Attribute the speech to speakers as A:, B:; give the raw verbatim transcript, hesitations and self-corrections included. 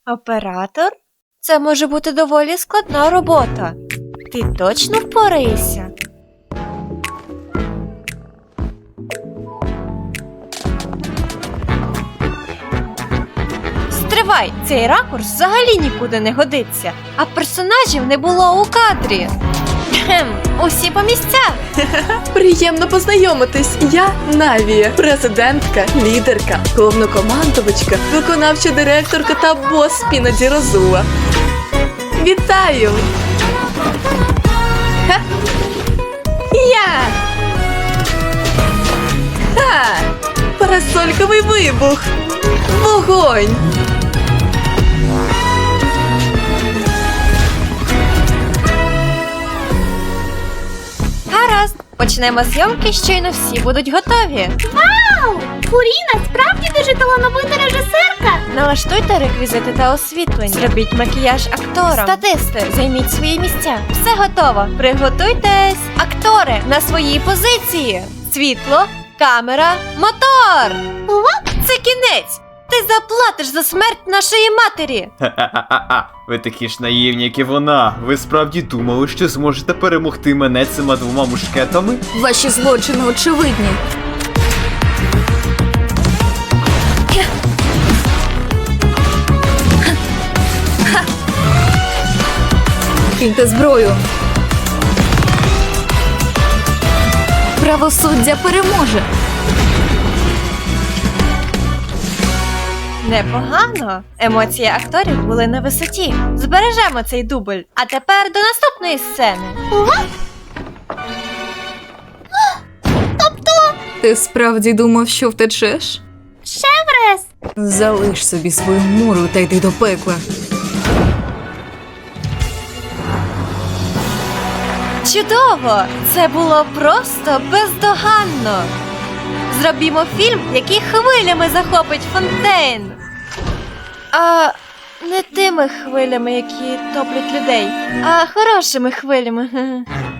A: Оператор? Це може бути доволі складна робота. Ти точно впораєшся? Стривай, цей ракурс взагалі нікуди не годиться, а персонажів не було у кадрі. Кхем, усі по місцях.
B: Приємно познайомитись. Я Навія, президентка, лідерка, головнокомандувачка, виконавча директорка та бос Спінаді Розула. Вітаю! Ха! Я! Ха! Парасольковий вибух! Вогонь!
A: Гаразд, почнемо зйомки, щойно всі будуть готові.
C: Вау! Фуріна справді дуже талановита режисерка!
A: Налаштуйте реквізити та освітлення. Зробіть макіяж акторам. Статисти, займіть свої місця. Все готово. Приготуйтесь. Актори на свої позиції. Світло, камера, мотор. Це кінець. Ти заплатиш за смерть нашої матері.
D: Ха-ха-ха-ха. Ви такі ж наївні, як і вона. Ви справді думали, що зможете перемогти мене цими двома мушкетами?
B: Ваші злочини очевидні. Киньте зброю. Правосуддя переможе.
A: Непогано. Емоції акторів були на висоті. Збережемо цей дубль. А тепер до наступної сцени.
B: Ти справді думав, що втечеш?
C: Шеврес!
B: Залиш собі свою муру та йди до пекла.
A: Чудово! Це було просто бездоганно. Зробімо фільм, який хвилями захопить Фонтейн. А не тими хвилями, які топлять людей, а хорошими хвилями.